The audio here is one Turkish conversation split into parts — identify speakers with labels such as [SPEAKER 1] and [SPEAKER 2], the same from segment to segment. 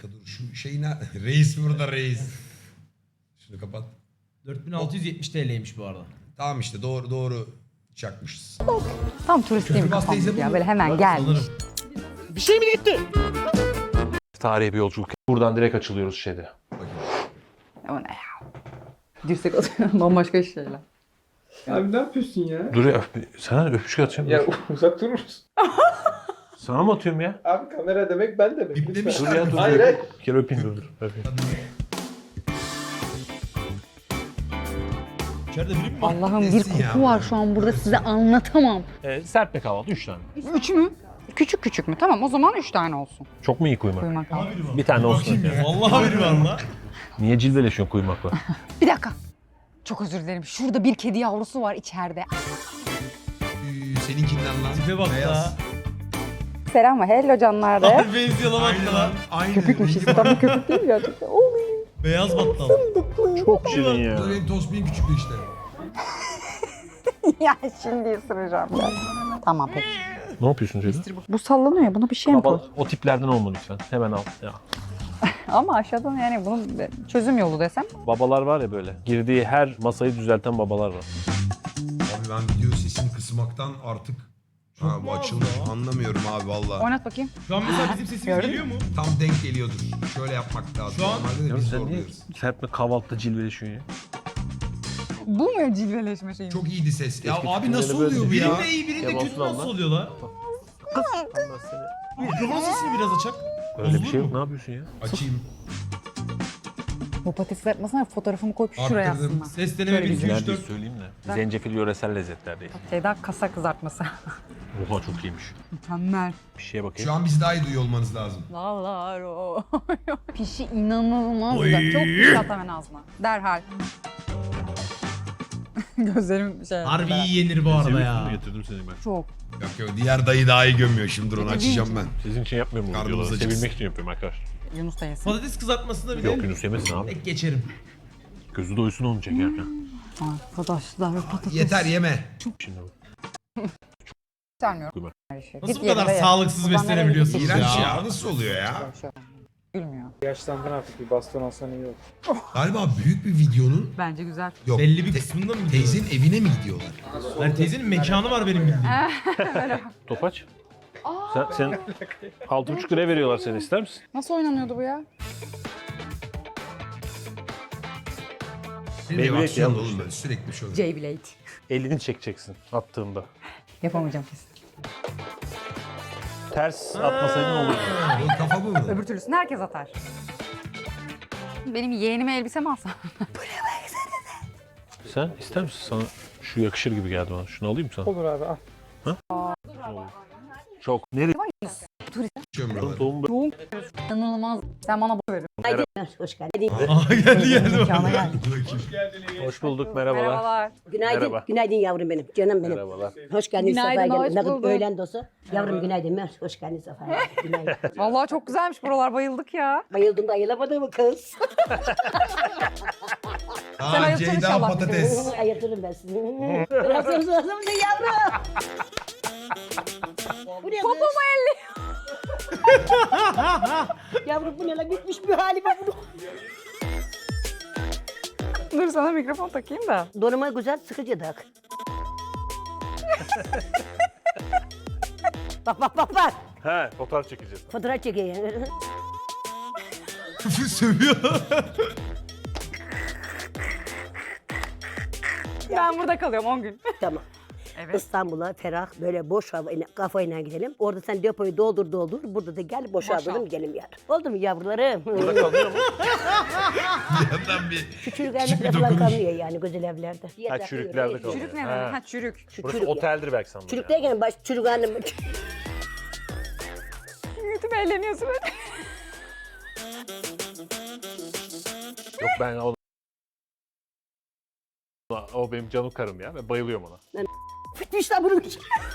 [SPEAKER 1] dakika dur şu şeyine reis burada reis. Şunu kapat.
[SPEAKER 2] 4670 TL'ymiş bu arada.
[SPEAKER 1] Tamam işte doğru çakmışız.
[SPEAKER 3] Tam turistiyim
[SPEAKER 1] Köprü bas teyze
[SPEAKER 3] kafamda ya
[SPEAKER 1] bu.
[SPEAKER 3] böyle hemen gelmiş.
[SPEAKER 4] Tarihe bir yolculuk. Buradan direkt açılıyoruz şeyde.
[SPEAKER 3] O ne ya? Dirsek atıyor bambaşka şeyler.
[SPEAKER 5] Abi ne yapıyorsun ya?
[SPEAKER 4] Dur ya sana öpücük atacağım.
[SPEAKER 5] Ya uzak durur musun?
[SPEAKER 4] Sana mı atıyorum ya?
[SPEAKER 5] Abi kamera demek ben demek.
[SPEAKER 1] Biplemişler
[SPEAKER 4] Dur ya dur.
[SPEAKER 5] Hayır hayır.
[SPEAKER 4] Bir kere öpeyim dur. Öpeyim.
[SPEAKER 2] İçeride biri mi var?
[SPEAKER 3] Allah'ım bir
[SPEAKER 1] Nesin ya
[SPEAKER 3] koku
[SPEAKER 1] bu?
[SPEAKER 3] var şu an burada size anlatamam.
[SPEAKER 4] Serpme kahvaltı 3 tane.
[SPEAKER 3] 3 mü? Küçük küçük mü? Tamam o zaman 3 tane olsun.
[SPEAKER 4] Çok mu iyi kuymak?
[SPEAKER 3] Kuymak al.
[SPEAKER 4] Bir tane olsun. Yani.
[SPEAKER 2] Vallahi biri var lan.
[SPEAKER 4] Niye cilveleşiyorsun kuymakla?
[SPEAKER 3] Bir dakika. Çok özür dilerim. Şurada bir kedi yavrusu var içeride.
[SPEAKER 1] Seninkinden lan.
[SPEAKER 2] Tipe bak
[SPEAKER 1] Beyaz.
[SPEAKER 3] Selam hello canlar
[SPEAKER 2] Abi benziyor lan
[SPEAKER 1] Aynı
[SPEAKER 2] hatta
[SPEAKER 1] lan.
[SPEAKER 2] lan.
[SPEAKER 1] Aynı.
[SPEAKER 3] Köpükmüş tabii köpük değil gerçekten.
[SPEAKER 2] Beyaz battal.
[SPEAKER 4] Çok şirin ya.
[SPEAKER 1] Bu da benim tosbihim küçüktü işte.
[SPEAKER 3] Ya şimdi ısıracağım ben. Tamam peki.
[SPEAKER 4] Ne yapıyorsun Ceyda?
[SPEAKER 3] Bu sallanıyor ya buna bir şey mi koy?
[SPEAKER 4] Baba, o tiplerden olma lütfen. Hemen al. Ya.
[SPEAKER 3] Ama aşağıdan yani bunun çözüm yolu desem.
[SPEAKER 4] Babalar var ya böyle. Girdiği her masayı düzelten babalar var.
[SPEAKER 1] Abi ben video sesini kısmaktan artık ha, bu
[SPEAKER 2] mu az
[SPEAKER 1] açılmış
[SPEAKER 2] ya?
[SPEAKER 1] anlamıyorum abi valla.
[SPEAKER 3] Oynat bakayım.
[SPEAKER 2] Şu an mesela bizim sesimiz
[SPEAKER 3] Gördün
[SPEAKER 2] geliyor mu?
[SPEAKER 1] Tam denk geliyordur. Şöyle yapmak lazım.
[SPEAKER 2] Şu an-
[SPEAKER 1] Normalde de
[SPEAKER 4] Ya
[SPEAKER 1] biz
[SPEAKER 4] sen niye
[SPEAKER 1] zorluyoruz.
[SPEAKER 4] serpme kahvaltıda cilveleşiyorsun ya?
[SPEAKER 3] Bu mu cilveleşme şeyi?
[SPEAKER 1] Çok iyiydi ses. Ya
[SPEAKER 4] Keşke
[SPEAKER 1] abi
[SPEAKER 4] filmleri
[SPEAKER 1] nasıl
[SPEAKER 4] böyle
[SPEAKER 1] oluyor bu ya?
[SPEAKER 2] Birinde iyi birinde
[SPEAKER 4] Kemal
[SPEAKER 2] kötü
[SPEAKER 4] Sunal
[SPEAKER 2] nasıl
[SPEAKER 4] lan.
[SPEAKER 2] oluyor lan? Mikrofon sesini biraz açak.
[SPEAKER 4] Öyle bir
[SPEAKER 2] Bozulur
[SPEAKER 4] şey yok.
[SPEAKER 2] mu?
[SPEAKER 4] Ne yapıyorsun ya?
[SPEAKER 1] Açayım.
[SPEAKER 3] Bu patates yapmasana fotoğrafımı koyup şuraya
[SPEAKER 1] Arttırdım.
[SPEAKER 3] aslında.
[SPEAKER 2] Ses deneme 1, 2, 3,
[SPEAKER 4] Neredeyiz
[SPEAKER 2] 4.
[SPEAKER 4] söyleyeyim de. Zencefil yöresel lezzetler değil.
[SPEAKER 3] Şeyda kasa kızartması.
[SPEAKER 4] Oha çok iyiymiş.
[SPEAKER 3] Mükemmel.
[SPEAKER 4] Bir şeye bakayım.
[SPEAKER 1] Şu an bizi daha iyi duyuyor olmanız lazım.
[SPEAKER 3] Lallar o. Pişi inanılmaz
[SPEAKER 2] Oy.
[SPEAKER 3] güzel. Çok piş at hemen ağzına. Derhal. Gözlerim şey.
[SPEAKER 2] Harbi iyi yenir bu arada ya.
[SPEAKER 4] Getirdim seni ben.
[SPEAKER 3] Çok.
[SPEAKER 1] Yok diğer dayı daha iyi gömüyor şimdi onu açacağım ben.
[SPEAKER 4] Sizin için yapmıyorum bu
[SPEAKER 1] Karnımız
[SPEAKER 4] videoları.
[SPEAKER 1] acıksın.
[SPEAKER 4] Sevilmek için yapıyorum arkadaşlar.
[SPEAKER 3] Yunus da yesin.
[SPEAKER 2] Patates kızartmasında bir de
[SPEAKER 4] Yok Yunus yemesin abi.
[SPEAKER 2] tek geçerim.
[SPEAKER 4] Gözü doysun onu çekerken.
[SPEAKER 3] Arkadaşlar patates.
[SPEAKER 1] Yeter yeme.
[SPEAKER 4] Şimdi bak.
[SPEAKER 3] Sevmiyorum.
[SPEAKER 4] Kuymak.
[SPEAKER 3] Her şey.
[SPEAKER 2] Nasıl
[SPEAKER 3] Git
[SPEAKER 2] bu kadar
[SPEAKER 3] yerine ye.
[SPEAKER 2] sağlıksız
[SPEAKER 3] Buradan
[SPEAKER 2] beslenebiliyorsunuz
[SPEAKER 3] nereye
[SPEAKER 1] İğrenç
[SPEAKER 2] ya?
[SPEAKER 1] ya. Nasıl oluyor ya?
[SPEAKER 3] gidiyorsun? Şöyle. Gülmüyor.
[SPEAKER 5] Yaşlandın artık bir baston alsan iyi olur.
[SPEAKER 1] Galiba büyük bir videonun
[SPEAKER 3] Bence güzel.
[SPEAKER 1] yok.
[SPEAKER 2] Belli bir kısmında mı gidiyor?
[SPEAKER 1] Teyzenin evine mi gidiyorlar?
[SPEAKER 2] Yani teyzenin mekanı var benim bildiğim.
[SPEAKER 4] Topaç. Sen 6,5 liraya veriyorlar seni ister misin?
[SPEAKER 3] Nasıl oynanıyordu bu ya?
[SPEAKER 1] Benim
[SPEAKER 4] Beyblade
[SPEAKER 1] ev aksiyonlu
[SPEAKER 4] yanlış.
[SPEAKER 1] oğlum böyle sürekli bir şey oluyor.
[SPEAKER 3] J-Blade.
[SPEAKER 4] Elini çekeceksin attığında.
[SPEAKER 3] Yapamayacağım kesin.
[SPEAKER 4] Ters atmasaydın olurdu.
[SPEAKER 1] Oğlum kafa bu mu?
[SPEAKER 3] Öbür türlüsünü herkes atar. Benim yeğenime elbise mi alsam?
[SPEAKER 4] Sen ister misin? Sana şu yakışır gibi geldi bana. Şunu alayım mı sana?
[SPEAKER 5] Olur abi al.
[SPEAKER 4] Çok. Nereye?
[SPEAKER 1] Açıyorum buraları.
[SPEAKER 4] Doğum
[SPEAKER 3] Çok inanılmaz. Sen bana bu verin.
[SPEAKER 6] Hoş geldin.
[SPEAKER 2] Aha geldi.
[SPEAKER 3] Mekana gel.
[SPEAKER 4] Hoş bulduk. Merhabalar.
[SPEAKER 3] Merhabalar.
[SPEAKER 6] Günaydın.
[SPEAKER 4] Merhaba.
[SPEAKER 6] Günaydın yavrum benim. Canım benim.
[SPEAKER 4] Merhabalar.
[SPEAKER 6] Hoş geldin.
[SPEAKER 3] Günaydın,
[SPEAKER 6] Sefa
[SPEAKER 3] hoş
[SPEAKER 6] geldin. Ne kadar
[SPEAKER 3] bulduk.
[SPEAKER 6] öğlen dostu. Yavrum günaydın. Hoş geldin Sefa. Günaydın.
[SPEAKER 3] Vallahi çok güzelmiş buralar. Bayıldık ya.
[SPEAKER 6] Bayıldım da ayılamadın mı kız?
[SPEAKER 3] Sen
[SPEAKER 1] Aa
[SPEAKER 3] ayıpsın
[SPEAKER 1] Ceyda
[SPEAKER 3] inşallah.
[SPEAKER 1] patates.
[SPEAKER 6] Ayırtırım ben sizi. Biraz hızlı hızlı ne yavrum? Bu ne
[SPEAKER 3] Popomu
[SPEAKER 6] kız?
[SPEAKER 3] elli.
[SPEAKER 6] Yavrum bu ne lan? Bitmiş bir hali var bunu.
[SPEAKER 3] Dur sana mikrofon takayım da.
[SPEAKER 6] Donuma güzel sıkıcı tak. bak.
[SPEAKER 4] He, fotoğraf çekeceğiz.
[SPEAKER 6] Fotoğraf çekeyim.
[SPEAKER 1] Sövüyor.
[SPEAKER 3] Ben burada kalıyorum 10 gün.
[SPEAKER 6] Tamam.
[SPEAKER 3] Evet.
[SPEAKER 6] İstanbul'a ferah böyle boş hava kafayla gidelim. Orada sen depoyu doldur. Burada da gel boşaltalım gidelim yani. Oldu mu yavrularım?
[SPEAKER 4] Burada kalmıyor mu?
[SPEAKER 1] Yandan bir
[SPEAKER 6] Küçük
[SPEAKER 1] Küçük
[SPEAKER 6] evlerde
[SPEAKER 1] bir
[SPEAKER 6] falan
[SPEAKER 1] dokunuş.
[SPEAKER 6] kalmıyor yani güzel evlerde.
[SPEAKER 4] Ha çürüklerde kalıyor.
[SPEAKER 3] Çürük ne
[SPEAKER 4] Ha.
[SPEAKER 3] demek? Ha çürük.
[SPEAKER 4] Burası
[SPEAKER 6] Çürük ya.
[SPEAKER 4] oteldir belki sandım.
[SPEAKER 6] Çürük
[SPEAKER 4] ya.
[SPEAKER 6] derken baş çürük hanım.
[SPEAKER 3] Kötü eğleniyorsun öyle.
[SPEAKER 4] Yok ben o benim canım karım ya. Ben bayılıyorum ona.
[SPEAKER 6] Fitmiş lan bunun.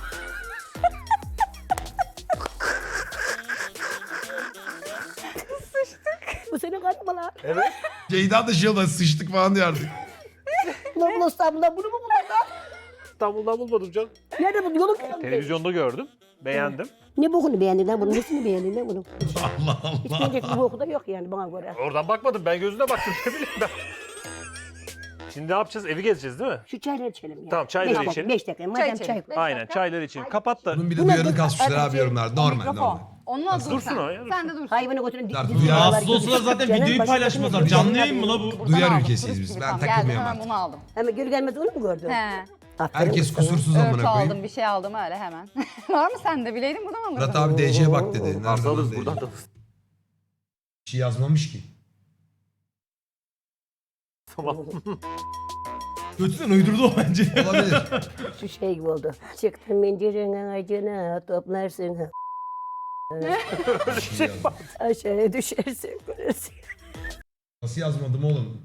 [SPEAKER 6] Bu senin karın mı lan?
[SPEAKER 4] Evet.
[SPEAKER 1] Ceyda da şey oldu sıçtık falan diyor artık.
[SPEAKER 6] Ulan bu İstanbul'dan bunu mu buldun lan?
[SPEAKER 4] İstanbul'dan bulmadım canım.
[SPEAKER 6] Nerede bu yolun?
[SPEAKER 4] Televizyonda gördüm. Beğendim.
[SPEAKER 6] Ne bokunu beğendin lan bunun? Nesini beğendin lan bunun?
[SPEAKER 1] Allah
[SPEAKER 6] Hiç
[SPEAKER 1] Allah.
[SPEAKER 6] beğenecek bir boku da yok yani bana göre.
[SPEAKER 4] Oradan bakmadım. Ben gözüne baktım. Ne bileyim ben. Şimdi ne yapacağız? Evi gezeceğiz değil mi?
[SPEAKER 6] Şu çayları içelim ya.
[SPEAKER 4] Tamam, çayları
[SPEAKER 6] Beş-
[SPEAKER 4] içelim.
[SPEAKER 6] 5 dakika. Madem
[SPEAKER 3] içelim.
[SPEAKER 6] çay.
[SPEAKER 4] Aynen çaylar için. Kapat da.
[SPEAKER 1] Bunun bir de
[SPEAKER 6] Buna
[SPEAKER 1] duyarını
[SPEAKER 6] dur-
[SPEAKER 1] kasmışlar abi
[SPEAKER 3] Hadi,
[SPEAKER 1] yorumlar. Normal
[SPEAKER 3] mikrofon.
[SPEAKER 1] normal.
[SPEAKER 3] Onunla dur
[SPEAKER 4] Dursun
[SPEAKER 3] sen.
[SPEAKER 4] o ya,
[SPEAKER 3] Sen de dur.
[SPEAKER 6] Hayvanı götürün.
[SPEAKER 1] Rahatsız
[SPEAKER 2] Rahatsız olsalar zaten videoyu paylaşmazlar. Canlı yayın mı la bu?
[SPEAKER 3] Buradan
[SPEAKER 1] Duyar
[SPEAKER 3] aldım,
[SPEAKER 1] ülkesiyiz
[SPEAKER 3] turist
[SPEAKER 1] biz.
[SPEAKER 3] gibi
[SPEAKER 1] Ben
[SPEAKER 3] tam.
[SPEAKER 1] takılmıyorum
[SPEAKER 3] Geldim hemen
[SPEAKER 1] artık.
[SPEAKER 3] bunu aldım.
[SPEAKER 6] Hemen geri gelmez onu mu gördün?
[SPEAKER 3] He.
[SPEAKER 6] Aferin
[SPEAKER 1] Herkes
[SPEAKER 6] sana.
[SPEAKER 1] kusursuz
[SPEAKER 3] Örtü
[SPEAKER 1] amına
[SPEAKER 3] aldım,
[SPEAKER 1] koyayım.
[SPEAKER 3] bir şey aldım öyle hemen. Var mı sende? Bileydim buradan alırdım.
[SPEAKER 1] Murat abi DC'ye bak dedi. Nereden
[SPEAKER 4] Varsa alırız
[SPEAKER 1] aldı
[SPEAKER 4] buradan
[SPEAKER 1] DC?
[SPEAKER 4] da.
[SPEAKER 1] Bir şey yazmamış ki.
[SPEAKER 4] Tamam.
[SPEAKER 2] Götünden uydurdu o bence.
[SPEAKER 1] Olabilir.
[SPEAKER 6] Şu şey gibi oldu. Çıktın mencerenin ağacına toplarsın.
[SPEAKER 1] Bir şey yazmış.
[SPEAKER 6] Aşağıya düşersin. Görürsün.
[SPEAKER 1] Nasıl yazmadım oğlum?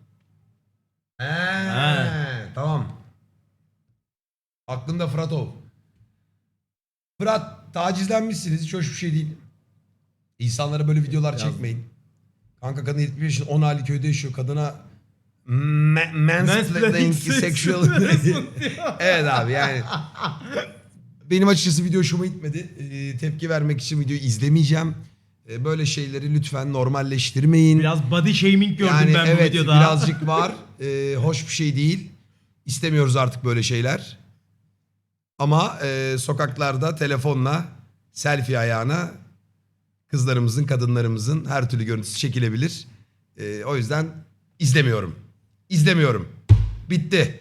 [SPEAKER 1] Tamam. Aklımda Fıratov. Fırat tacizlenmişsiniz. Hiç hoş bir şey değil. İnsanlara böyle videolar çekmeyin. Kanka kadın 75 yaşında 10 aylık köyde yaşıyor. Kadına mansplaining sexual. Evet abi yani. Benim açıkçası video hoşuma gitmedi. Tepki vermek için videoyu izlemeyeceğim. Böyle şeyleri lütfen normalleştirmeyin.
[SPEAKER 2] Biraz body shaming gördüm
[SPEAKER 1] Yani
[SPEAKER 2] ben bu
[SPEAKER 1] evet
[SPEAKER 2] videoda.
[SPEAKER 1] birazcık var. Hoş bir şey değil. İstemiyoruz artık böyle şeyler. Ama sokaklarda telefonla selfie ayağına kızlarımızın, kadınlarımızın her türlü görüntüsü çekilebilir. O yüzden izlemiyorum. İzlemiyorum. Bitti.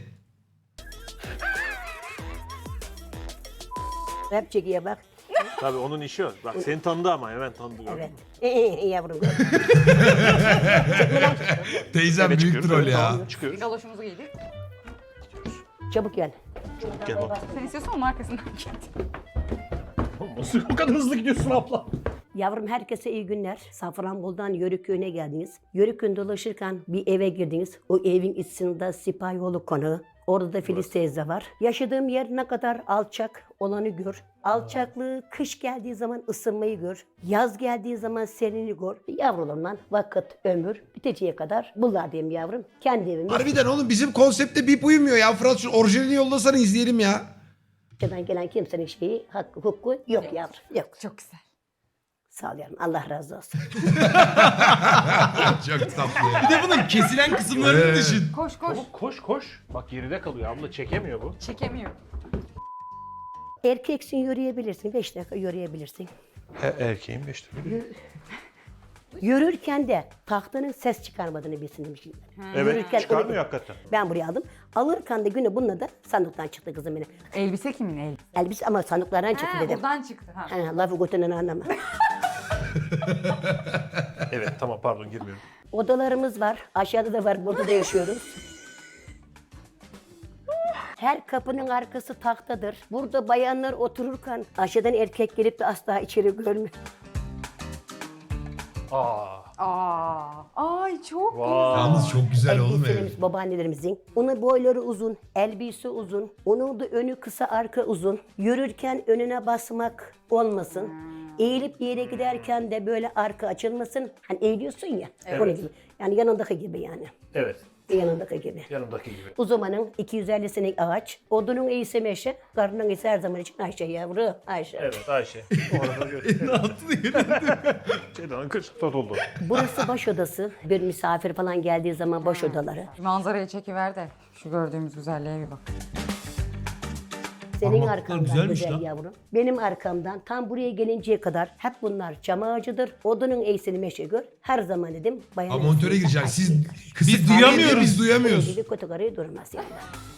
[SPEAKER 6] Rap çekiye bak.
[SPEAKER 4] Tabii onun işi o. Bak seni tanıdı ama hemen tanıdı. gördün mü?
[SPEAKER 6] Evet. Yavrum.
[SPEAKER 1] Teyzem
[SPEAKER 4] Eve
[SPEAKER 1] büyük
[SPEAKER 4] çıkıyoruz,
[SPEAKER 1] troll
[SPEAKER 4] evet,
[SPEAKER 1] ya.
[SPEAKER 4] tamam, çıkıyoruz.
[SPEAKER 3] Galoşumuzu giydik.
[SPEAKER 6] Çabuk gel.
[SPEAKER 4] Gel bak.
[SPEAKER 3] Sen istiyorsan onun arkasından git.
[SPEAKER 4] Nasıl o kadar hızlı gidiyorsun abla?
[SPEAKER 6] Yavrum herkese iyi günler. Safranbolu'dan Yörükköy'üne geldiniz. Yörükköy dolaşırken bir eve girdiniz. O evin içinde Sipahyolu konağı. Orada da Filiz teyze var. Yaşadığım yer ne kadar alçak olanı gör. Alçaklığı kış geldiği zaman ısınmayı gör. Yaz geldiği zaman serini gör. Yavrularımla vakit, ömür biteceğe kadar bunlar diyeyim yavrum. Kendi evimiz.
[SPEAKER 1] Harbiden oğlum bizim konsepte bip uymuyor ya. Fırat şu orijinalini yollasana izleyelim ya.
[SPEAKER 6] Dışarıdan gelen kimsenin şeyi, hakkı, hukuku yok yavrum. Yok.
[SPEAKER 3] Çok güzel.
[SPEAKER 6] Sağ ol yavrum. Allah razı olsun.
[SPEAKER 1] Çok tatlı ya.
[SPEAKER 2] Bir de bunun kesilen kısımlarını düşün.
[SPEAKER 3] Koş koş.
[SPEAKER 4] Koş koş. Bak geride kalıyor abla çekemiyor bu.
[SPEAKER 3] Çekemiyor.
[SPEAKER 6] Erkeksin yürüyebilirsin. 5 dakika yürüyebilirsin.
[SPEAKER 4] Erkeğim 5 dakika.
[SPEAKER 6] Yürürken de tahtanın ses çıkarmadığını bilsin demişim.
[SPEAKER 4] Evet
[SPEAKER 6] Yürürken
[SPEAKER 4] çıkarmıyor
[SPEAKER 6] onu-
[SPEAKER 4] hakikaten.
[SPEAKER 6] Ben buraya aldım. Alırken de günü bununla da sandıktan çıktı kızım benim.
[SPEAKER 3] Elbise kimin elbise?
[SPEAKER 6] Elbise ama sandıklardan çıktı dedim.
[SPEAKER 3] Buradan çıktı. Ha.
[SPEAKER 6] Ha, lafı götünden anlama.
[SPEAKER 4] Evet tamam pardon girmiyorum.
[SPEAKER 6] Odalarımız var. Aşağıda da var. Burada da yaşıyoruz. Her kapının arkası tahtadır. Burada bayanlar otururken aşağıdan erkek gelip de asla içeri görmüyor.
[SPEAKER 3] Ay çok
[SPEAKER 4] Vay.
[SPEAKER 1] Yalnız çok güzel oğlum ev.
[SPEAKER 6] Elbiselerimiz babaannelerimizin. Onun boyları uzun, elbise uzun. Onun da önü kısa, arka uzun. Yürürken önüne basmak olmasın. Eğilip bir yere giderken de böyle arka açılmasın. Hani eğiliyorsun ya. Onun gibi. Yani yanındaki gibi yani.
[SPEAKER 4] Evet
[SPEAKER 6] Yanındaki gibi.
[SPEAKER 4] yanımdaki gibi.
[SPEAKER 6] Uzamanın 250 senelik ağaç. Odunun iyisi meşe. Karnının iyisi her zaman için Ayşe yavru. Ayşe.
[SPEAKER 4] Evet Ayşe. Orada gördüm.
[SPEAKER 2] Ne yaptı yürüdü.
[SPEAKER 4] Şeyden kır tot oldu.
[SPEAKER 6] Burası baş odası. Bir misafir falan geldiği zaman baş odaları.
[SPEAKER 3] Manzarayı çekiver de şu gördüğümüz güzelliğe bir bak.
[SPEAKER 6] Senin
[SPEAKER 2] Parmaklıklar
[SPEAKER 6] arkandan
[SPEAKER 2] güzelmiş
[SPEAKER 6] güzel
[SPEAKER 2] lan.
[SPEAKER 6] yavrum. Benim arkamdan tam buraya gelinceye kadar hep bunlar çam ağacıdır. Odunun eğsini meşe gör. Her zaman dedim bayan.
[SPEAKER 1] Ama montöre gireceksin. Siz kısık
[SPEAKER 2] Biz
[SPEAKER 1] tahmin
[SPEAKER 2] duyamıyoruz.
[SPEAKER 1] edin, Biz duyamıyoruz.
[SPEAKER 6] Gibi kotokarayı durmaz yani.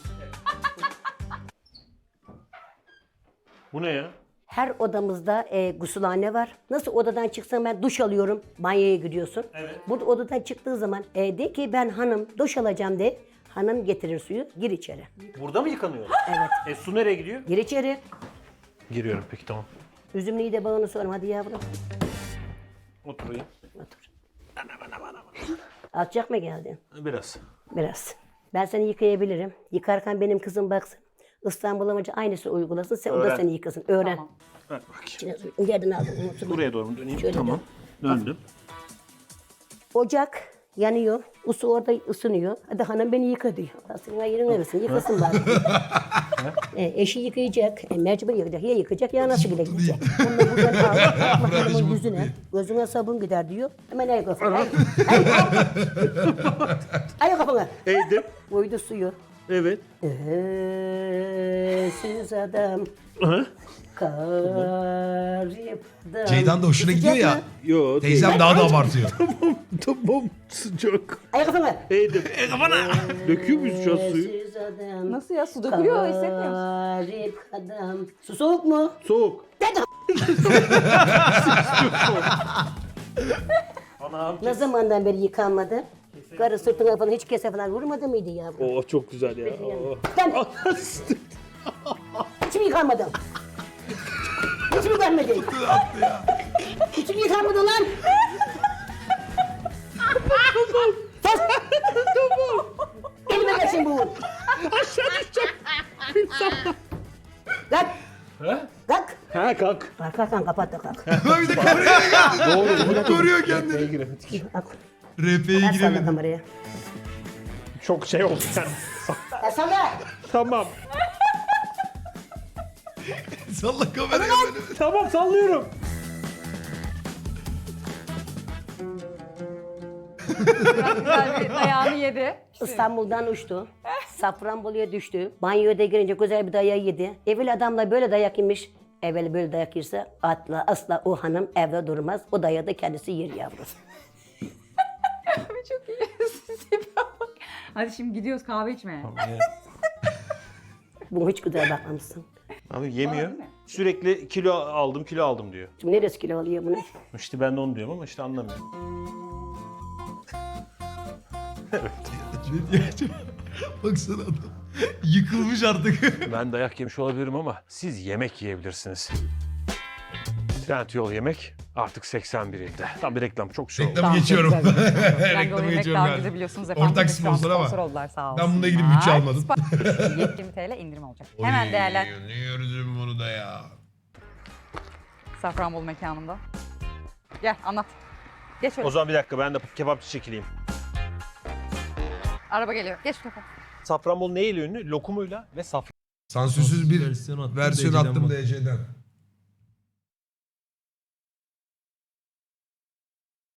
[SPEAKER 4] Bu ne ya?
[SPEAKER 6] Her odamızda gusülhane var. Nasıl odadan çıksan ben duş alıyorum, banyoya gidiyorsun.
[SPEAKER 4] Evet.
[SPEAKER 6] Burada odadan çıktığı zaman de ki ben hanım duş alacağım de. Hanım getirir suyu, gir içeri.
[SPEAKER 4] Burada mı yıkanıyor?
[SPEAKER 6] Evet.
[SPEAKER 4] Su nereye gidiyor?
[SPEAKER 6] Gir içeri.
[SPEAKER 4] Giriyorum peki tamam.
[SPEAKER 6] Üzümlüyü de bağını sorma hadi yavrum.
[SPEAKER 4] Oturayım.
[SPEAKER 6] Otur. Alçak mı geldin?
[SPEAKER 4] Biraz.
[SPEAKER 6] Biraz. Ben seni yıkayabilirim. Yıkarken benim kızım baksın. İstanbul amacı aynısını uygulasın. Sen o da
[SPEAKER 4] Öğren.
[SPEAKER 6] seni yıkasın. Öğren.
[SPEAKER 3] Tamam.
[SPEAKER 4] Ver bakayım.
[SPEAKER 6] İçine suyu. Yerden aldım. Unutma.
[SPEAKER 4] Buraya doğru mu döneyim?
[SPEAKER 6] Şöyle
[SPEAKER 4] Tamam. Döndüm.
[SPEAKER 6] Ocak yanıyor. Usu orada ısınıyor. Hadi hanım beni yıka diyor. Senin ayırın arasın. Yıkasın bari. Eşi yıkayacak, mecbur yıkayacak. Ya yıkayacak ya nasıl gidecek? Bunu buradan al, hanımın yüzüne, gözüne sabun gider diyor. Hemen ay kafana. Ay kafana.
[SPEAKER 4] Eğdim.
[SPEAKER 6] Koydu suyu.
[SPEAKER 4] Evet.
[SPEAKER 6] Siz adam. Garip adam.
[SPEAKER 1] Ceydan da hoşuna gidiyor ya.
[SPEAKER 4] Yo.
[SPEAKER 1] Teyzem daha da abartıyor.
[SPEAKER 4] Tamam sıcak.
[SPEAKER 6] Ay kafana.
[SPEAKER 4] Eğdim. Döküyor muyuz şu an suyu?
[SPEAKER 6] Siz adam.
[SPEAKER 3] Nasıl ya? Su dökülüyor hissetmiyor musun?
[SPEAKER 6] Garip adam. Su soğuk mu?
[SPEAKER 4] Soğuk.
[SPEAKER 6] Dedim. Ne zamandan beri yıkanmadı? Karı sırtına falan hiç kese falan vurmadı mıydı yavrum?
[SPEAKER 4] Oh çok güzel ya.
[SPEAKER 6] Sen hiç mi yıkanmadın? Hiç mi yıkanmadın? Hiç mi yıkanmadın lan? Sus! Elime geçsin bu. Aşağı düşeceğim. Kalk. Kalk.
[SPEAKER 4] Ha kalk.
[SPEAKER 6] Kalk kapat da kalk.
[SPEAKER 1] Bir de kameraya geldi. Koruyor kendini.
[SPEAKER 6] Bak.
[SPEAKER 1] RP'ye
[SPEAKER 6] Salla
[SPEAKER 1] giremedim.
[SPEAKER 6] kameraya.
[SPEAKER 4] Çok şey oldu sen.
[SPEAKER 6] Salla.
[SPEAKER 4] Tamam.
[SPEAKER 1] Salla kameraya böyle.
[SPEAKER 4] Tamam sallıyorum.
[SPEAKER 3] Güzel bir dayağını yedi.
[SPEAKER 6] İstanbul'dan uçtu. Safranbolu'ya düştü. Banyoda girince güzel bir dayağı yedi. Evvel adamla böyle dayak yemiş. Evvel böyle dayak yerse asla o hanım evde durmaz. O dayağı da kendisi yer yavrum.
[SPEAKER 3] Abi çok iyi. Tipe bak. Hadi şimdi gidiyoruz kahve içmeye.
[SPEAKER 6] Bunu hiç güzel bakmamışsın.
[SPEAKER 4] Abi yemiyor. Sürekli kilo aldım diyor.
[SPEAKER 6] Şimdi neresi kilo alıyor bunu?
[SPEAKER 4] İşte ben de onu diyorum ama işte anlamıyor.
[SPEAKER 1] Ne diyor acaba? Baksana adam. Yıkılmış artık.
[SPEAKER 4] Ben dayak yemiş olabilirim ama siz yemek yiyebilirsiniz. Trendyol yemek artık 81 ilde. Tam bir reklam çok şey oldu.
[SPEAKER 1] Reklamı geçiyorum.
[SPEAKER 3] Reklamı
[SPEAKER 1] Reklamı geçiyorum
[SPEAKER 3] daha
[SPEAKER 1] galiba.
[SPEAKER 3] biliyorsunuz efendim.
[SPEAKER 1] Ortak
[SPEAKER 3] Biz şu an
[SPEAKER 1] sponsor ama.
[SPEAKER 3] Sponsor oldular sağ olsun.
[SPEAKER 1] Ben bunda ilgili bütçe almadım.
[SPEAKER 3] 20 TL indirim olacak. Hemen değerler.
[SPEAKER 1] Ne gördüm bunu da ya.
[SPEAKER 3] Safranbolu mekanında. Gel anlat. Geç öyle.
[SPEAKER 4] O zaman bir dakika ben de kebapçı çekileyim.
[SPEAKER 3] Araba geliyor. Geç bu tarafa.
[SPEAKER 4] Safranbolu neyle ünlü? Lokumuyla ve safran.
[SPEAKER 1] Sansürsüz bir
[SPEAKER 2] Versiyon attım
[SPEAKER 1] versiyon
[SPEAKER 2] DC'den
[SPEAKER 1] attım
[SPEAKER 2] bak.
[SPEAKER 1] DC'den.